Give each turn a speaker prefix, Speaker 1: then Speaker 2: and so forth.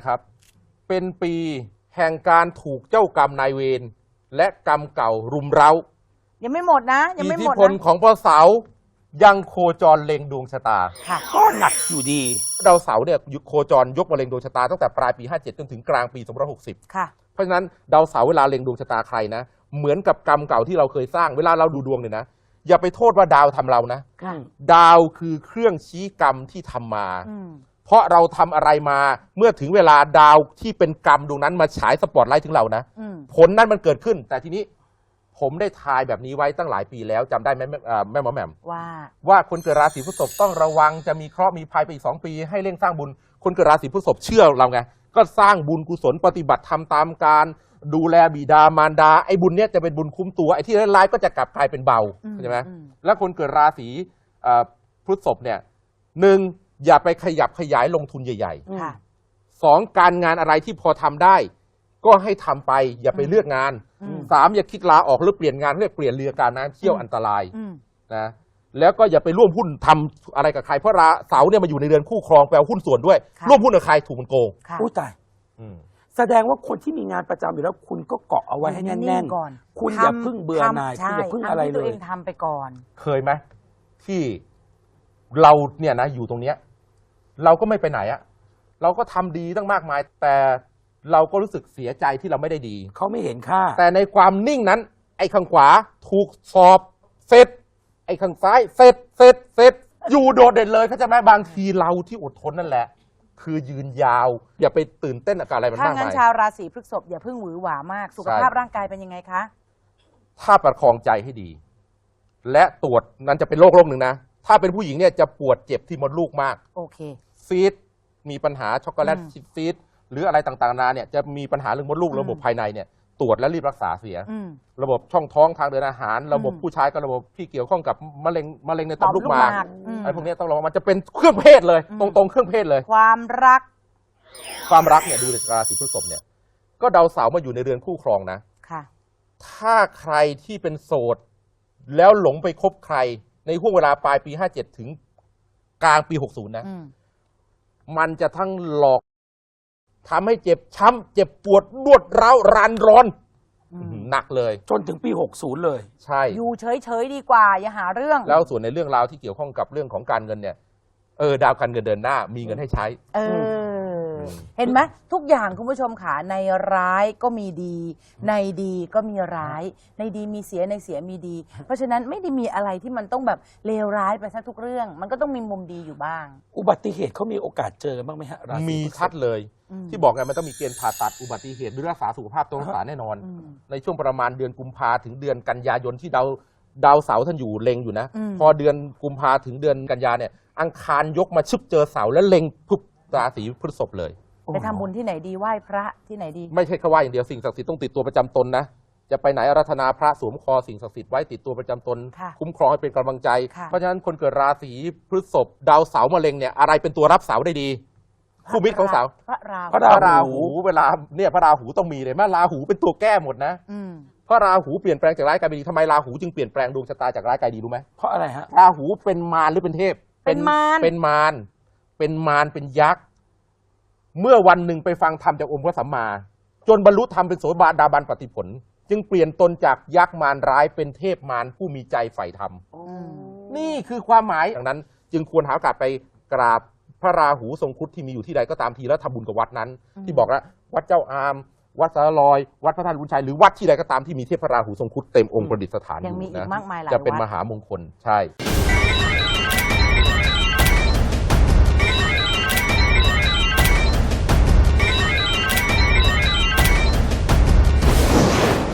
Speaker 1: ครับ เป็นปีแห่งการถูกเจ้ากรรมนายเวรและกรรมเก่ารุมเร้า
Speaker 2: ยังไม่หมดนะยังไม่หมดนะ
Speaker 1: อิทธิพลของพระเสาร์ยังโคจรเล็งดวงชะตา
Speaker 3: ก็หนักอยู่ดี
Speaker 1: ดาวเสาร์เนี่ยโคจรยกมาเล็งดวงชะตาตั้งแต่ปลายปี57จนถึงกลางปี2560
Speaker 2: ค่ะ
Speaker 1: เพราะฉะนั้นดาวเสาร์เวลาเล็งดวงชะตาใครนะเหมือนกับกรรมเก่าที่เราเคยสร้างเวลาเราดูดวงเนี่ยนะอย่าไปโทษว่าดาวทำเรานะดาวคือเครื่องชี้กรรมที่ทำมาเพราะเราทำอะไรมาเมื่อถึงเวลาดาวที่เป็นกรรมดวงนั้นมาฉายสปอตไลท์ถึงเรานะผลนั้นมันเกิดขึ้นแต่ทีนี้ผมได้ทายแบบนี้ไว้ตั้งหลายปีแล้วจำได้ไหมแม่หมอแหม่มว่าคนเกิดราศีพฤษภต้องระวังจะมีเคราะห์มีภัยไปอีก2 ปีให้เร่งสร้างบุญคนเกิดราศีพฤษภเชื่อเราไงก็สร้างบุญกุศลปฏิบัติทำตามการดูแลบิดามารดาไอ้บุญเนี้ยจะเป็นบุญคุ้มตัวไอ้ที่ร้ายๆก็จะกลับกลายเป็นเบาใช่ไหมแล้วคนเกิดราศีพฤษภเนี่ย1อย่าไปขยับขยายลงทุนใหญ่ๆ2การงานอะไรที่พอทำได้ก็ให้ทำไปอย่าไปเลือกงาน3อย่าคิดลาออกหรือเปลี่ยนงานเรียกเปลี่ยนเรือการน้ำเที่ยวอันตรายนะแล้วก็อย่าไปร่วมหุ้นทำอะไรกับใครเพราะเสาเนี่ยมาอยู่ในเรือนคู่ครองแปลหุ้นส่วนด้วยร่วมหุ้นกับใครถูกมันโกง
Speaker 3: อู้ตายแสดงว่าคนที่มีงานประจำอยู่แล้วคุณก็เกาะเอาไว้ให้แน่นๆก่อนคุณอย่าพึ่งเบื่อหน่ายคุณอย่าพึ่งอะไรเลย
Speaker 2: ตัวเองทำไปก่อน
Speaker 1: เคยไหมที่เราเนี่ยนะอยู่ตรงเนี้ยเราก็ไม่ไปไหนอะเราก็ทำดีตั้งมากมายแต่เราก็รู้สึกเสียใจที่เราไม่ได้ดี
Speaker 3: เขาไม่เห็นค่า
Speaker 1: แต่ในความนิ่งนั้นไอ้ข้างขวาถูกสอบเสร็จไอ้ข้างซ้ายเสร็จอยู่โดดเด่นเลยเข้าใจไหมบางทีเราที่อดทนนั่นแหละคือยืนยาวอย่าไปตื่นเต้นกับอะไรมันมากมาย
Speaker 2: ถ้างั้นชาวราศีพฤษภอย่าเพิ่งหวือหวามากสุขภาพร่างกายเป็นยังไงคะ
Speaker 1: ถ้าประคองใจให้ดีและตรวจนั้นจะเป็นโรคหนึ่งนะถ้าเป็นผู้หญิงเนี่ยจะปวดเจ็บที่มดลูกมาก
Speaker 2: โอเค
Speaker 1: ซีดมีปัญหาช็อกโกแลตซีดหรืออะไรต่างๆนาเนี่ยจะมีปัญหาเรื่องมดลูกระบบภายในเนี่ยตรวจและรีบรักษาเสียระบบช่องท้องทางเดินอาหารระบบผู้ชายกับระบบที่เกี่ยวข้องกับมะเร็งในต่อมลูกหมากไอ้พวกนี้ต้องระวังมันจะเป็นเครื่องเพศเลยตรงเครื่องเพศเลย
Speaker 2: ความรัก
Speaker 1: เนี่ยดูในราศีพฤษภเนี่ยก็ดาวเสาร์มาอยู่ในเรือนคู่ครองนะ
Speaker 2: ค่ะ
Speaker 1: ถ้าใครที่เป็นโสดแล้วหลงไปคบใครในห่วงเวลาปลายปี57ถึงกลางปี60นะมันจะทั้งหลอกทำให้เจ็บช้ำเจ็บปวดรวดร้าวรานร้อนหนักเลย
Speaker 3: จนถึงปี60เลย
Speaker 1: ใช่
Speaker 2: อยู่เฉยๆดีกว่าอย่าหาเรื่อง
Speaker 1: แล้วส่วนในเรื่องราวที่เกี่ยวข้องกับเรื่องของการเงินเนี่ยดาวการเงินเดินหน้ามีเงินให้ใช้
Speaker 2: เห็นไหมทุกอย่างคุณผู้ชมค่ะในร้ายก็มีดีในดีก็มีร้ายในดีมีเสียในเสียมีดีเพราะฉะนั้นไม่ได้มีอะไรที่มันต้องแบบเลวร้ายไปซะทุกเรื่องมันก็ต้องมีมุมดีอยู่บ้าง
Speaker 3: อุบัติเหตุเขามีโอกาสเจอบ้างไหมฮะ
Speaker 1: มีชัดเลยที่บอกไงมันต้องมีเกณฑ์ผ่าตัดอุบัติเหตุหรือรักษาสุขภาพต้องรักษาแน่นอนในช่วงประมาณเดือนกุมภาถึงเดือนกันยายนที่ดาวเสาร์ท่านอยู่เล็งอยู่นะพอเดือนกุมภาถึงเดือนกันยาเนี่ยอังคารยกมาชึบเจอเสาร์แล้วเล็งปุ๊บราศีพฤษภเลย
Speaker 2: ไปทำบุญที่ไหนดีไหว้พระที่ไหนดี
Speaker 1: ไม่ใช่แค่ไหว้อย่างเดียวสิ่งศักดิ์สิทธิ์ต้องติดตัวประจำตนนะจะไปไหนอาราธนาพระสวมคอสิ่งศักดิ์สิทธิ์ไว้ติดตัวประจำตนคุ้มครองให้เป็นกำลังใจเพราะฉะนั้นคนเกิดราศีพฤษภดาวเสาร์มะเร็งเนี่ยอะไรเป็นตัวรับเสาได้ดีคู่มิตรของเสาร์
Speaker 2: พระ
Speaker 1: ราหูเวลาเนี่ยพระราหูต้องมีเลยแม่ราหูเป็นตัวแก้หมดนะเพราะราหูเปลี่ยนแปลงจากร้ายกลายเป็นดีทำไมราหูจึงเปลี่ยนแปลงดวงชะตาจากร้ายกลายดีรู้ไหม
Speaker 3: เพราะอะไรฮะ
Speaker 1: ราหูเป็นมารหรือเป็นเทพ
Speaker 2: เป็นมาร
Speaker 1: เป็นยักษ์เมื่อวันหนึ่งไปฟังธรรมจากองค์พระสัมมาจนบรรลุธรรมเป็นโสดาบันปฏิผลจึงเปลี่ยนตนจากยักษ์มารร้ายเป็นเทพมารผู้มีใจใฝ่ธรรมนี่คือความหมายดังนั้นจึงควรหาโอกาสไปกราบพระราหูทรงครุฑที่มีอยู่ที่ใดก็ตามทีแล้วทำบุญกับวัดนั้นที่บอกแล้ววัดเจ้าอามวัดสารลอยวัดพระธาตุบุญชัยหรือวัดที่ใดก็ตามที่มีเทพพระราหูทรงครุฑเต็มองค์ประดิษฐานอยู่นะจะเป็นมหามงคลใช่